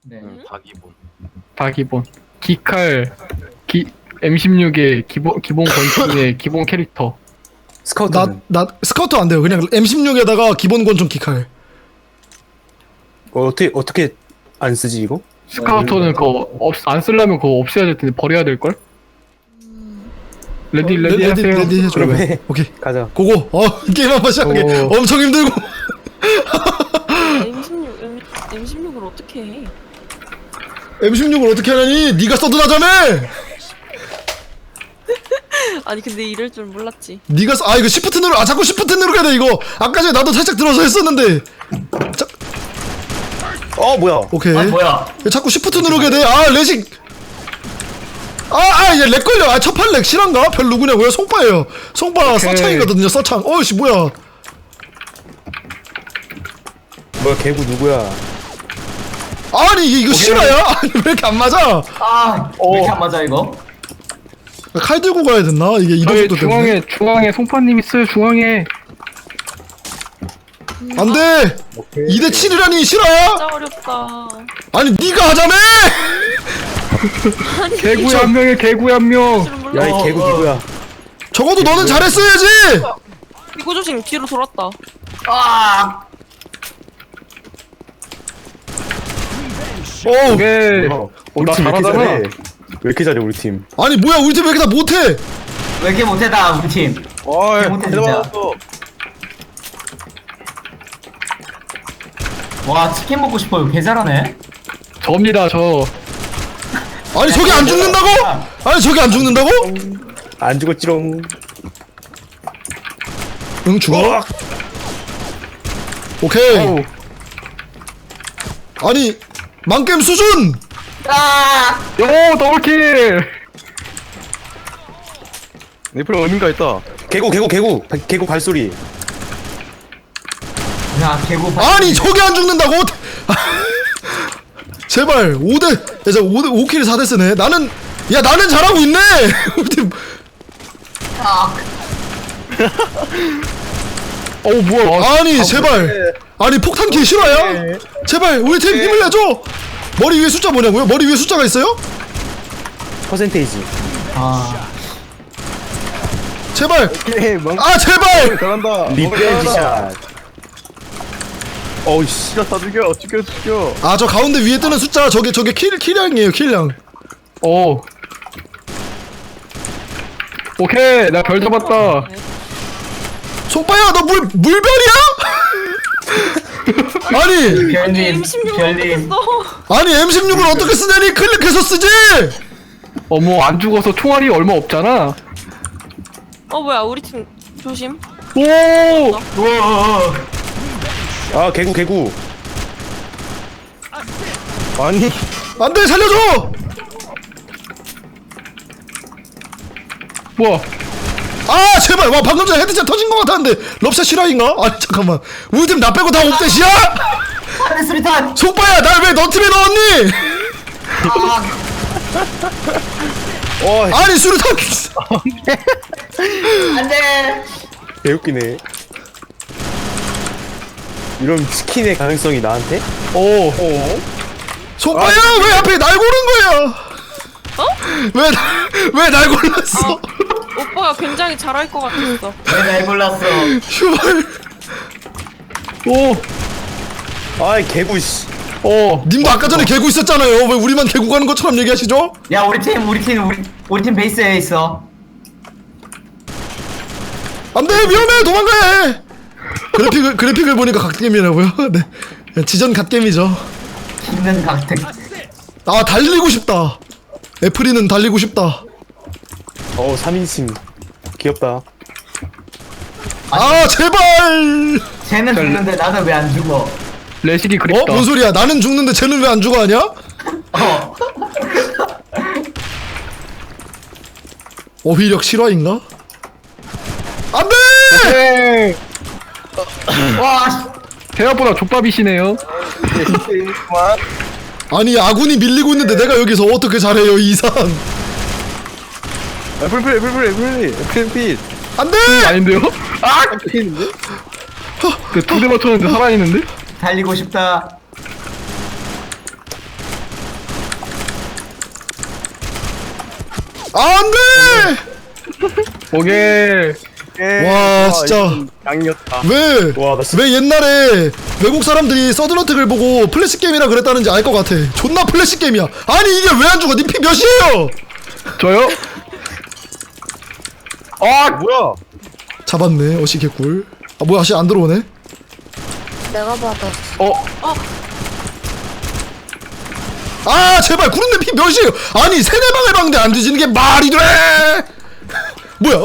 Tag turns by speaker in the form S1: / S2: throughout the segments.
S1: 네.
S2: 다 기본.
S3: 다 기본. 기칼, M16의 기본 권총의 기본 캐릭터.
S4: 스카우트는
S5: 나 스카우트 안 돼요. 그냥 M16에다가 기본 권총 기칼.
S4: 어떻게 안 쓰지 이거?
S3: 스카우터는 그거 안 쓰려면 그거 없애야 될 텐데 버려야 될 걸? 레디 하세요.
S5: 레디 해줘.
S4: 그럼 해.
S5: 오케이.
S4: 가자.
S5: 고고. 게임 한번 시작하게. 엄청 힘들고.
S6: M16을 어떻게 해?
S5: M16을 어떻게 하냐니? 네가 써드나자며.
S6: 아니 근데 이럴 줄 몰랐지.
S5: 네가 이거 시프트 누르. 자꾸 시프트 누르게 돼 이거. 아까 전에 나도 살짝 들어서 했었는데.
S4: 뭐야?
S5: 오케이.
S1: 뭐야?
S5: 자꾸 시프트 누르게 돼. 레식. 얘 렉 걸려. 첫판 렉 실한가? 별 누구냐고요? 송빠예요. 송빠 서창이거든요. 서창. 어이씨 뭐야?
S4: 뭐야 개구 누구야?
S5: 아니 이거 실화야? 아니 왜 이렇게 안 맞아?
S1: 왜 이렇게 안 맞아 이거?
S5: 칼 들고 가야 됐나? 이게 이동
S3: 저희
S5: 속도 때문에.
S3: 중앙에 송파님 있어요. 중앙에.
S5: 안 돼. 2대 7이라니 실화야?
S6: 진짜 어렵다.
S5: 아니 네가 하자며.
S6: 아니
S3: 개구에 한 명에 개구에 한 명.
S6: 줄은 몰라.
S4: 야 이 개구 누구야?
S5: 적어도 너는 잘했어야지.
S6: 이거 조심 뒤로 돌았다.
S3: 오케이.
S4: 우리
S3: 나
S4: 팀 왜 이렇게
S3: 잘하잖아.
S4: 잘해? 왜 이렇게 잘해 우리 팀?
S5: 아니 뭐야 우리 팀 왜 이렇게 다 못해?
S1: 왜 이렇게 못해다 우리 팀? 개 못해 진짜. 와 치킨 먹고 싶어요. 개 잘하네.
S3: 접니다 저.
S5: 아니 저게 안 죽는다고? 아니 저게 안 죽는다고?
S4: 안 죽었지롱.
S5: 응 죽어. 오케이.
S3: 어우.
S5: 아니 망게임 수준.
S3: 요 더블킬.
S2: 니플 어딘가 있다.
S4: 개구 발소리.
S1: 야 개구.
S5: 아니 저게 안 죽는다고? 제발 5대 자 5킬 4대 쓰네. 나는 잘하고 있네. 우리 팀.
S3: 어우 뭐야.
S5: 아니 제발. 아니 폭탄 킬 실화야? 제발 우리 팀 힘을 내줘. 머리 위에 숫자 뭐냐고요? 머리 위에 숫자가 있어요?
S4: 퍼센테이지.
S5: 제발. 제발.
S2: 잘한다.
S4: 리벤지 샷. 어이씨.
S2: 죽여.
S5: 저 가운데 위에 뜨는 숫자 저게 킬량이에요 킬량.
S3: 오케이 나 별 잡았다.
S5: 송빠야 너 물별이야? 아니
S1: 별님
S6: M16을 어떻게
S1: 별님.
S6: 써?
S5: 아니 M16을 어떻게 쓰냐니 클릭해서 쓰지.
S3: 뭐 안 죽어서 총알이 얼마 없잖아.
S6: 뭐야 우리 팀 조심.
S3: 오.
S4: 개구.
S2: 아니.
S5: 안돼 살려줘.
S3: 뭐야.
S5: 제발 와 방금 전에 헤드샷 터진 것 같았는데 럽샷 실화인가? 아니 잠깐만 우리 팀 나 빼고 다 옵대시야?
S1: 안돼 수리탄.
S5: 송빠야 날 왜 너 팀에 넣었니? 아니 수류탄.
S1: 안돼.
S4: 개웃기네. 이런 치킨의 가능성이 나한테?
S5: 송빠야 왜 앞에 날 고른 거야? 왜 날 골랐어?
S6: 오빠가 굉장히 잘할 것 같았어.
S1: 왜날 골랐어?
S5: 휴발.
S4: 개구 씨.
S5: 님도 아까 전에 개구 있었잖아요. 왜 우리만 개구 가는 것처럼 얘기하시죠?
S1: 야 우리 팀 베이스에 있어.
S5: 안돼 위험해 도망가야 해. 그래픽을 보니까 갓겜이라고요? 네 지전 갓겜이죠.
S1: 있는 각택.
S5: 달리고 싶다. 애플이는 달리고 싶다.
S4: 3인칭. 귀엽다.
S5: 제발.
S1: 쟤는 죽는데 나는 왜 안 죽어?
S3: 레식이 그립다.
S5: 뭔 소리야? 나는 죽는데 쟤는 왜 안 죽어 하냐? 어휘력 실화인가? 안돼!
S1: 와.
S3: 생각보다 족밥이시네요.
S5: 아니 아군이 밀리고 있는데 내가 여기서 어떻게 잘해요 이 이상?
S2: 애플.
S5: 안돼!
S3: 아닌데요? 그 두 대 맞췄는데 살아있는데?
S1: 달리고 싶다.
S5: 안돼.
S3: 오케이.
S5: 와, 진짜.
S2: 양이었다.
S5: 왜
S4: 와, 나 진짜.
S5: 왜 옛날에 외국 사람들이 서든어택을 보고 플래시 게임이라 그랬다는지 알 것 같아. 존나 플래시 게임이야. 아니 이게 왜 안 죽어? 니 피 몇이에요?
S3: 저요?
S2: 아 뭐야?
S5: 잡았네. 어시 개꿀. 아 뭐야, 아시 안 들어오네.
S7: 내가 받았어.
S5: 아 제발 구름님 피 몇이에요? 아니 세네 방을 박는데 안 뒤지는 게 말이 돼? 뭐야?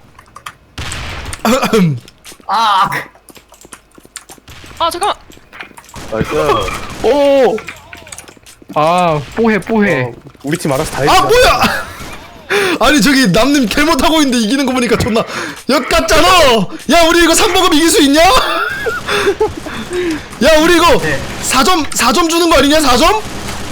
S1: 아,
S6: 아 잠깐만.
S2: 나이스.
S3: 오. 아, 뽀해.
S4: 우리 팀 알아서 다
S5: 아
S4: 해주자.
S5: 뭐야? 아니 저기 남님 개 못하고 있는데 이기는 거 보니까 존나 역같잖아. 야 우리 이거 3버금 이길 수 있냐? 야 우리 이거
S1: 네.
S5: 4점 주는 거 아니냐? 4점?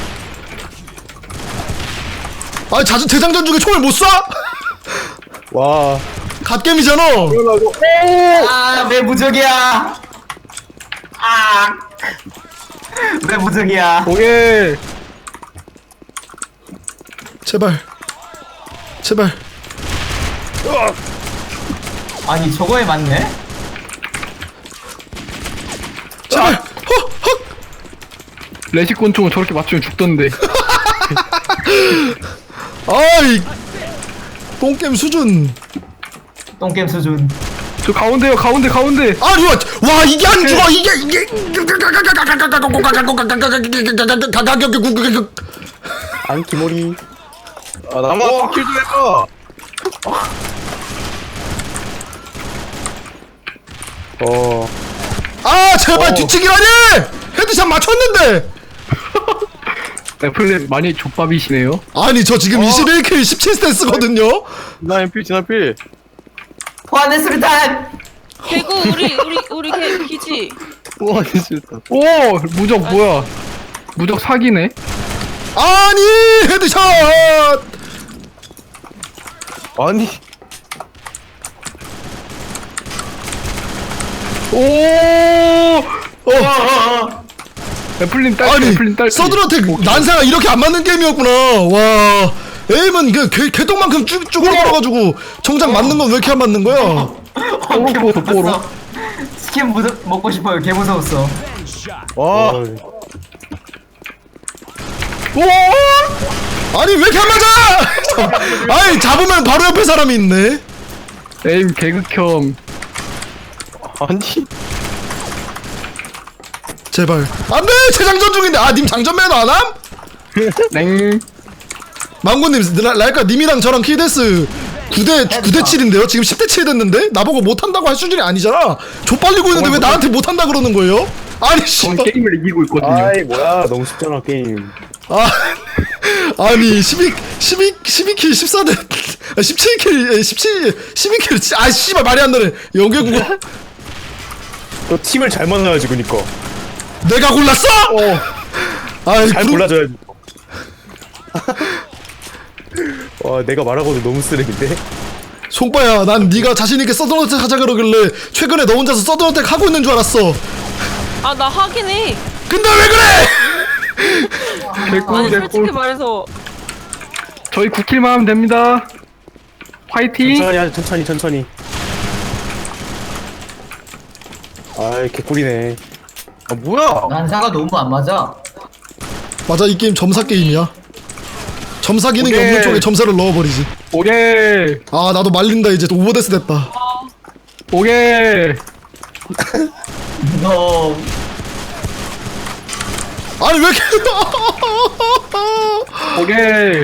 S5: 아니 재장전 중에 총을 못 쏴?
S4: 와.
S5: 갓겜이잖아.
S1: 아, 내 무적이야. 아, 내 무적이야.
S3: 오케이.
S5: 제발
S1: 아니, 저거에 맞네?
S5: 제발. 헉.
S3: 레시권총을 저렇게 맞추면 죽던데.
S5: 아이 똥겜 수준.
S1: 똥게임 수준.
S3: 저 가운데요, 가운데.
S5: 아니 와 이게 안 죽어 이게
S4: 안기모리.
S2: 아 나만 킬좀 해봐.
S5: 아 제발 뒤치기라니. 헤드샷 맞췄는데.
S3: 애플님 많이 족밥이시네요.
S5: 아니 저 지금 21킬 17스탠스거든요.
S2: 진화필.
S1: 포함의 수류탄!
S6: 개구 우리 기지.
S2: 와 진짜.
S3: 오, 무적 뭐야? 무적 사기네.
S5: 아니 헤드샷.
S2: 아니.
S3: 오. 애플님 딸.
S5: 아니
S3: 애플님 딸.
S5: 서든어택 난사가 이렇게 안 맞는 게임이었구나. 와 에임은 그 개똥만큼 쭉 올라가가지고 정작 맞는 건 왜 이렇게 안 맞는 거야?
S3: 뽀로.
S1: 스킨 먹고 싶어요. 개 무서웠어.
S2: 와.
S5: 아니 왜 이렇게 안 맞아? 아니 잡으면 바로 옆에 사람이 있네.
S3: 에임 개극혐.
S2: 아니.
S5: 제발 안돼 재장전 중인데. 아 님 장전 매너 안 함?
S3: 냉.
S5: 망고님 라이카 님이랑 저랑 킬데스 9대 7인데요. 지금 10대 7 됐는데 나보고 못한다고 할 수준이 아니잖아. 좆빨리고 있는데 왜 나한테 못한다 그러는 거예요? 아니
S3: 전
S5: 씨발.
S3: 게임을 이기고 있거든요.
S4: 아이 뭐야 너무 쉽잖아 게임.
S5: 아니 12킬 14대 17킬 12킬 아 씨발 말이 안 되네. 연계국어
S4: 너 팀을 잘 만나야지 그니까.
S5: 내가 골랐어? 아이
S4: 잘 골라줘야지. 와 내가 말하고도 너무 쓰레기인데.
S5: 송빠야 난 네가 자신있게 서든어택 하자 그러길래 최근에 너 혼자서 서든어택 하고 있는 줄 알았어.
S6: 아 나 하긴 해.
S5: 근데 왜 그래?
S6: 아니 솔직히 말해서
S3: 저희 9킬만 하면 됩니다. 화이팅.
S4: 천천히 하자 천천히. 아이 개꿀이네.
S2: 아 뭐야?
S1: 난사가 너무 안 맞아.
S5: 맞아 이 게임 점사 게임이야. 점사 기능이
S3: 오케이.
S5: 없는 쪽에 점사를 넣어버리지.
S3: 오케이.
S5: 아 나도 말린다 이제. 또 오버데스 됐다.
S3: 오케이.
S1: 너
S5: 아니 왜 이렇게
S3: 오케이.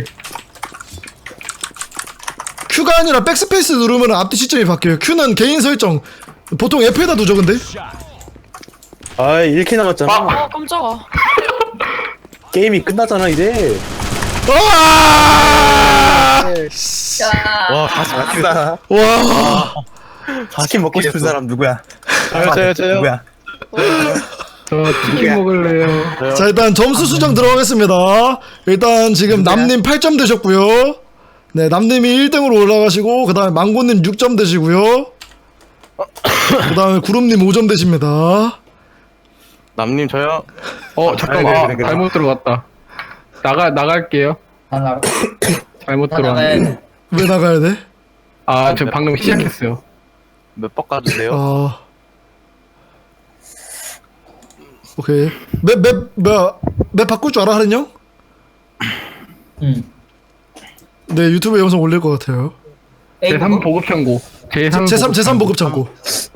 S5: Q가 아니라 백스페이스 누르면 앞뒤 시점이 바뀌어요. Q는 개인 설정. 보통 F에다 두죠 근데.
S4: 아이 1킬 남았잖아.
S6: 아 깜짝아.
S4: 게임이 끝나잖아 이제.
S2: 와 다시 맞다.
S5: 와.
S4: 치킨 먹고 싶은 사람 누구야?
S2: 저요.
S4: 누구야?
S3: 저 치킨 먹을래요.
S5: 자 일단 점수 수정 들어가겠습니다. 일단 지금 남님 8점 되셨고요. 네 남님이 1등으로 올라가시고 그 다음에 망고님 6점 되시고요. 그 다음에 구름님 5점 되십니다.
S2: 남님 저요.
S3: 잠깐만.
S4: 그래.
S3: 잘못 들어갔다. 나갈게요.
S1: 다 나가.
S3: 잘못
S1: 다 나가야
S3: 들어왔네.
S1: 돼.
S5: 왜 나가야 돼?
S3: 아, 저 방금 시작했어요.
S2: 몇 박 가주세요.
S5: 아. 오케이. 맵 바꿀 줄 알아, 하는 형?
S1: 응.
S5: 네, 유튜브에 영상 올릴 것 같아요.
S3: 제3 보급 창고.
S5: 제3 보급 창고.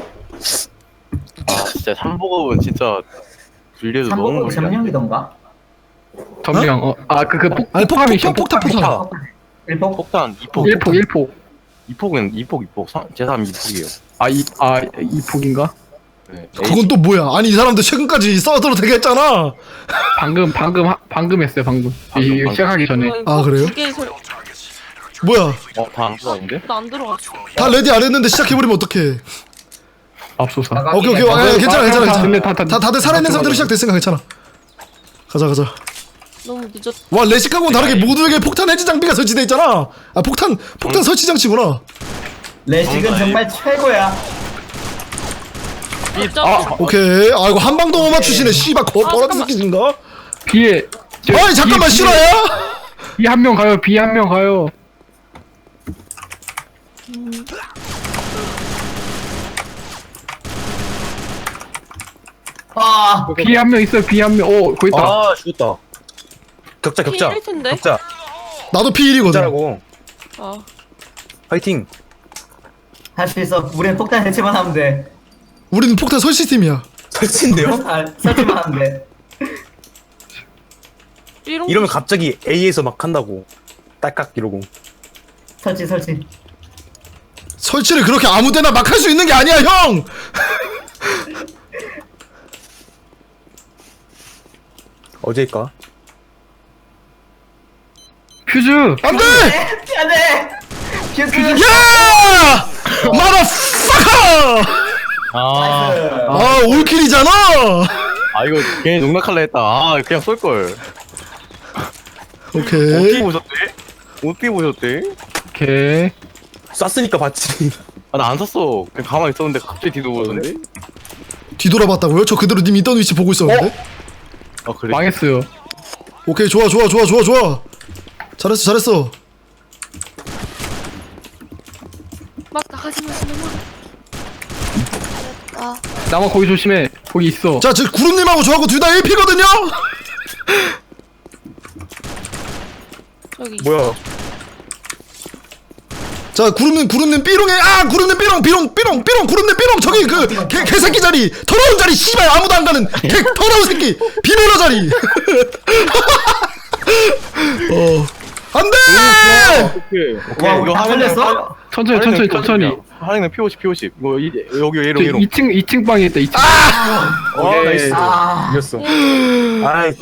S2: 아 진짜 3보급은 진짜 분리해도 너무
S1: 3번
S2: 멀리
S1: 점령이던가?
S3: 점령.
S5: 아니,
S3: 폭탄 미션.
S5: 폭탄.
S1: 1폭?
S2: 폭탄 2폭
S3: 1폭.
S2: 2폭은 2폭 제3 2폭이에요.
S3: 이폭인가?
S2: 네.
S5: 그건 또 뭐야? 아니, 이 사람들 최근까지 써도 되게 했잖아.
S3: 방금 했어요, 방금.
S2: 방금.
S3: 시작하기 전에.
S5: 아, 그래요?
S6: 두개 소리.
S5: 뭐야?
S2: 다안 들어왔는데?
S6: 나안 들어갔어.
S5: 다 레디 안 했는데 시작해버리면 어떡해.
S3: 앞서서.
S5: 오케이. 괜찮아.
S3: 근데 다
S5: 다들 살아있는 상태로 시작됐으니까 괜찮아. 가자.
S6: 너무 늦었.
S5: 와, 레식하고는 다르게 모두에게 폭탄 해지 장비가 설치돼 있잖아. 아, 폭탄 설치 장치구나.
S1: 레식은 정말 최고야.
S5: 오케이. 아, 이거 한 방도 못 맞추시네. 씨발, 버러지
S6: 잠깐만.
S5: 새끼인가?
S3: 비에.
S5: 아니, 잠깐만, 실화야?
S3: 비 한 명 가요. 비 한 명 가요.
S1: 아,
S3: 비 한 명 있어요. 비 한 명. 오, 거기 있다.
S4: 아 죽었다. 격자
S6: 피일 텐데.
S4: 격자
S5: 나도 P1이거든.
S4: 격자라고.
S6: 아,
S4: 파이팅.
S1: 할 수 있어. 우리는 폭탄 설치만 하면 돼.
S5: 우리는 폭탄 설치팀이야.
S4: 설치인데요?
S1: 아, 설치만 하면 돼.
S6: 삐롱.
S4: 이러면 갑자기 A에서 막 한다고. 딸깍 이러고.
S1: 설치.
S5: 설치를 그렇게 아무데나 막 할 수 있는 게 아니야, 형!
S4: 어제일까?
S3: 퓨즈.
S5: 안 돼!
S1: 안 돼! 퓨즈!
S5: 야! 마더파커! 아, 올킬이잖아!
S2: 이거 괜히 농락할라 했다. 아 그냥 쏠걸.
S5: 오케이.
S2: 어떻게 보셨대?
S3: 오케이.
S4: 쐈으니까 봤지.
S2: 나 안 샀어. 그냥 가만히 있었는데 갑자기 뒤도 보던데?
S5: 뒤돌아봤다고요? 저 그대로 님 있던 위치 보고 있었는데?
S2: 아 그래?
S3: 망했어요.
S5: 오케이, 좋아. 잘했어.
S7: 막 나가지 마시는 아,
S3: 나만 거기 조심해. 거기 있어.
S5: 자, 지금 구름님하고 저하고 둘 다 1피거든요?
S6: 저기.
S4: 뭐야?
S5: 자, 구름님 삐롱에, 구름님 삐롱, 구름님 삐롱, 저기 그, 개새끼 자리, 더러운 자리, 씨발, 아무도 안 가는, 더러운 새끼, 비밀로 자리. 안 돼!
S2: 오케이. 이거
S1: 다 걸렸어?
S3: 천천히.
S2: 하랭은 P50. 이거 여기
S3: 저
S2: 얘로.
S3: 2층 방에 있다. 2층.
S4: 나이스.
S1: 아,
S4: 이겼어. 아이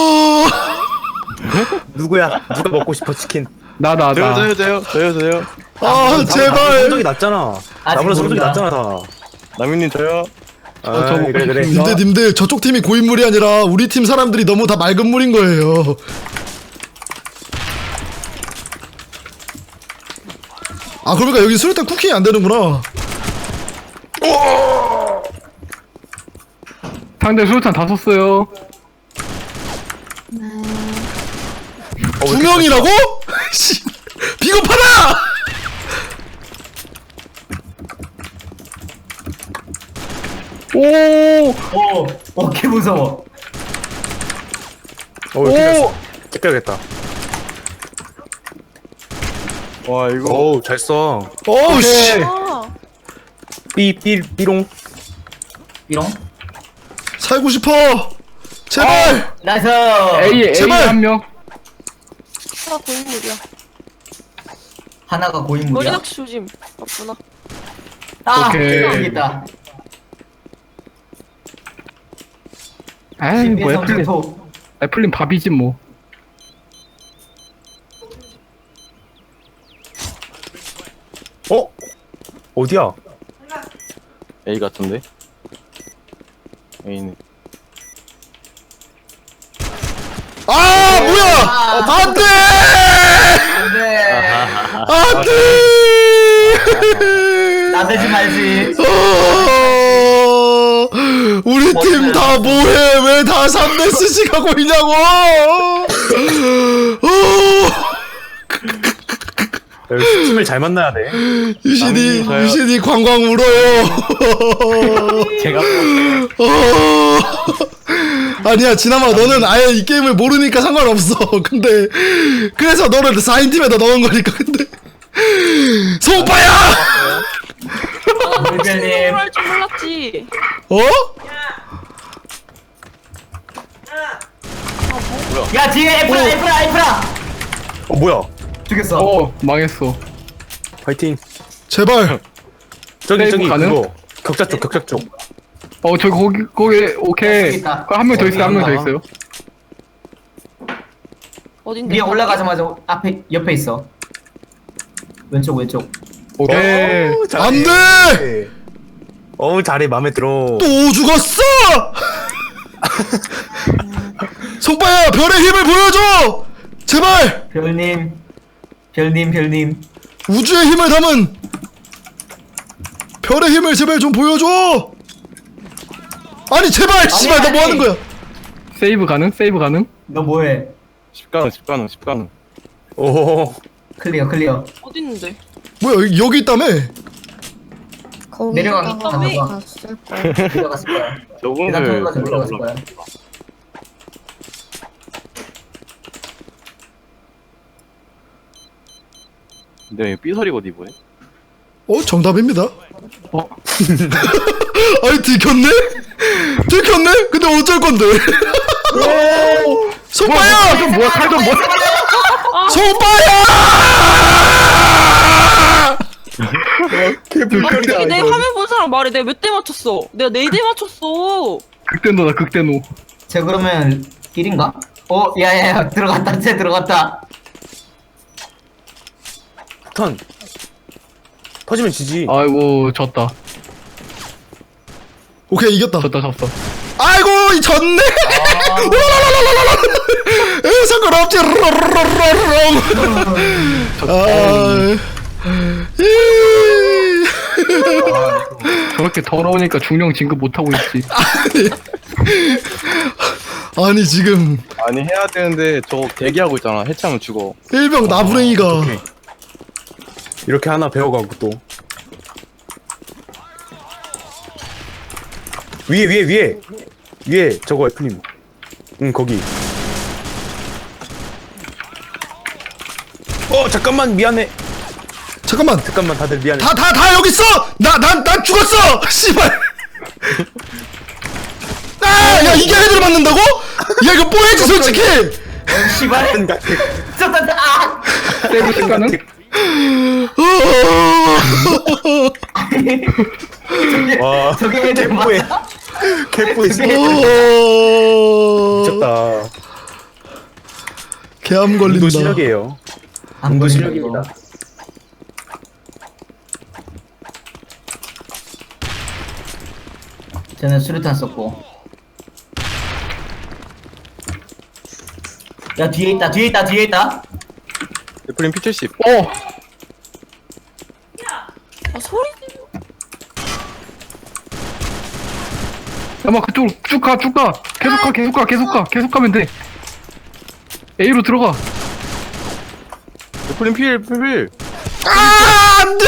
S4: 누구야? 누가 먹고 싶어 치킨?
S3: 나.
S2: 저요.
S5: 제발.
S4: 성적이 낮잖아.
S1: 아직
S4: 나보다 성적이
S1: 모른다.
S4: 낮잖아 다.
S2: 남윤님 저요.
S3: 저
S4: 아이,
S3: 먹고
S4: 그래.
S3: 싶습니다.
S5: 님들, 저쪽 팀이 고인물이 아니라 우리 팀 사람들이 너무 다 맑은 물인 거예요. 아, 그러니까 여기 수류탄 쿠킹이 안 되는구나.
S3: 상대 수류탄 다 썼어요.
S5: 두 명이라고? 씨, 비겁하다!
S1: 오, 개 무서워.
S4: 뺏겨야겠다.
S2: 와 이거.
S4: 어우 잘 써.
S5: 어우, 씨.
S6: 아,
S4: 삐롱.
S1: 이런?
S5: 살고 싶어! 제발!
S1: 나이스!
S3: A
S5: 제발!
S3: 한 명.
S6: 하나 고인물이야.
S1: 하나가
S6: 머리
S1: 고인물이야?
S6: 낚시 조심. 맞구나.
S1: 아,
S3: 오케이.
S1: 여기있다.
S3: 에이, 뭐
S1: 성주토.
S3: 애플린 밥이지 뭐.
S4: 어디야?
S2: A 같은데? A네.
S5: 아, 뭐야! 안 돼!
S1: 안돼!
S5: 안 돼!
S1: 나대지 말지.
S5: 우리 팀 다 뭐해? 왜 다 3대스씩 하고 있냐고!
S4: 팀을 잘 만나야 돼.
S5: 유신이
S2: 저요.
S5: 유신이 광광 울어요.
S2: 제가
S5: 아니야 지나마 너는 아예 이 게임을 모르니까 상관없어. 근데 그래서 너를 4인 팀에다 넣은 거니까. 근데 소오빠야.
S1: 물별님
S6: 할줄 몰랐지.
S5: 어?
S1: 야 뒤에 에프라
S4: 뭐야?
S1: 죽였어.
S3: 망했어.
S4: 파이팅.
S5: 제발.
S4: 저기
S3: 세이브
S4: 저기
S3: 가능?
S4: 그거 격자 쪽.
S3: 저기 거기 오케이.
S1: 있다.
S3: 한 명 더 있어요. 한 명 더 있어요.
S6: 어딘데?
S1: 위에 올라가자마자 앞에 옆에 있어. 왼쪽.
S3: 오케이.
S5: 안 돼!
S4: 잘해 맘에 들어.
S5: 또 죽었어. 소오빠야 별의 힘을 보여줘. 제발.
S1: 별님
S5: 우주의 힘을 담은 별의 힘을 제발 좀 보여줘. 아니 제발 씨발 너 뭐 하는 거야?
S3: 세이브 가능? 세이브 가능?
S1: 너 뭐해?
S2: 10가능
S4: 오.
S1: 클리어.
S6: 어디 있는데?
S5: 뭐야 여기 있다며?
S1: 내려간 거
S6: 왜?
S1: 봐. 내려갔을 거야. 계단
S2: 저분을
S1: 통과해서 내려갔을 거야.
S2: 근데 삐소리거든 이번에.
S5: 정답입니다. 아니 들켰네? 근데 어쩔 건데? 소빠야!
S3: 뭐야 칼좀 뭐?
S5: 소빠야!
S6: 갑자기 내 화면 본 사람 말해. 내가 몇 대 맞췄어? 내가 4대 맞췄어.
S3: 극대노다 극대노.
S1: 쟤 그러면 1인가? 야야야 들어갔다. 쟤 들어갔다.
S4: 턴. 터지면 지지.
S3: 아이고 졌다.
S5: 오케이 이겼다.
S3: 졌어.
S5: 아이고 이 졌네. 상관없지.
S3: 저렇게 더러우니까 중령 진급 못 하고 있지.
S5: 아니 지금
S2: 아니 해야 되는데 저거 대기하고 있잖아. 해체하면 죽어.
S5: 일병 나부랭이가
S4: 오케이. 이렇게 하나 배워가고 또 위에 저거 F님. 응 거기. 잠깐만 미안해.
S5: 잠깐만
S4: 다들 미안해.
S5: 다 여기 있어. 난 죽었어. 씨발. 야 이게 헤드를 맞는다고? 야 이거 뽀해지 솔직히.
S1: 씨발. 아!
S3: 세이브 시간은?
S4: 와.
S1: 저게 애들
S4: 개뽀해.
S1: 맞아?
S4: 개뽀해. 미쳤다.
S5: 개암
S4: 운도
S5: 걸린다.
S4: 실력이에요.
S1: 안
S4: 운도
S1: 걸린다,
S4: 실력입니다.
S1: 이거. 쟤는 수류탄 썼고. 야 뒤에 있다.
S2: 애플린 P70.
S6: 아 소리.
S3: 야마 그쪽으로 쭉 가. 계속 가면 돼. A로 들어가.
S2: 애플린 필.
S5: 안돼.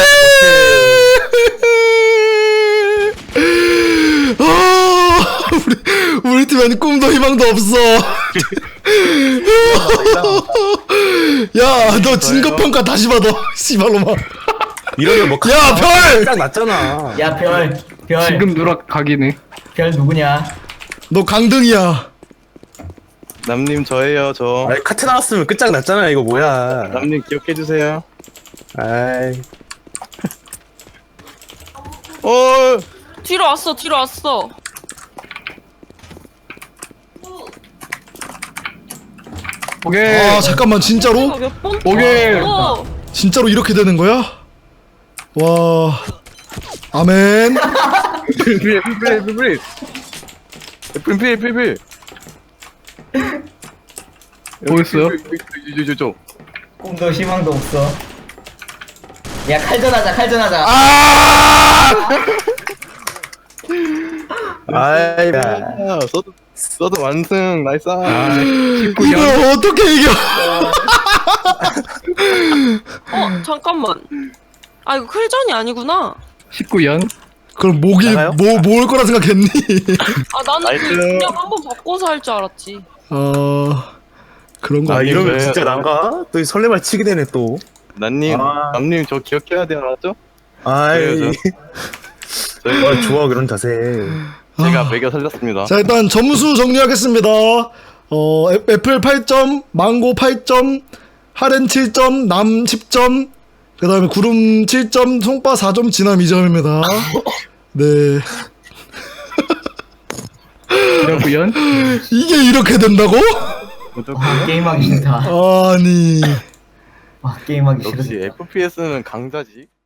S5: 우리 팀엔 꿈도 희망도 없어. 야 너 진급평가 다시 받아. 씨발로마.
S4: 이러면 뭐
S5: 야, 별!
S4: 딱 났잖아.
S1: 야 별.
S3: 지금 누락각이네.
S1: 별 누구냐?
S5: 너 강등이야.
S2: 남님 저예요 저.
S4: 아니 카트 나왔으면 끝장 났잖아. 이거 뭐야.
S2: 남님 기억해 주세요.
S4: 아이.
S6: 뒤로 왔어.
S3: 오케이.
S5: 아 잠깐만 진짜로?
S6: 이거 몇 번?
S3: 오케이.
S5: 진짜로 이렇게 되는 거야? 와. 아멘.
S2: 필. 애플린 필.
S3: 뭐였어요?
S2: 저.
S1: 꿈도 희망도 없어. 야 칼전하자.
S4: 아이.
S2: 써도 완승 나이스.
S5: 이걸 어떻게 이겨?
S6: 잠깐만. 아 이거 클전이 아니구나.
S3: 19연.
S5: 그럼 목이
S4: 나가요?
S5: 뭘 거라 생각했니?
S6: 아 나는
S2: 나이스.
S6: 그냥 한번 바꿔서 할 줄 알았지.
S5: 그런 거
S4: 아
S5: 아니에요?
S4: 이러면
S2: 왜-
S4: 진짜 난가? 또 설레발 치게 되네 또.
S2: 난님
S4: 아.
S2: 남님 저 기억해야 돼요, 알았죠?
S4: 아이.
S2: 그래요,
S4: 아, 좋아 그런 자세.
S2: 제가 매겨 살렸습니다.
S5: 자, 일단 점수 정리하겠습니다. 애플 8점, 망고 8점, 하렌 7점, 남 10점, 그 다음에 구름 7점, 송빠 4점, 진함 2점입니다. 네.
S3: 이러구연.
S5: 이게 이렇게 된다고?
S1: 게임하기 싫다.
S5: 아니.
S1: 게임하기 싫다.
S2: 역시 FPS는 강자지.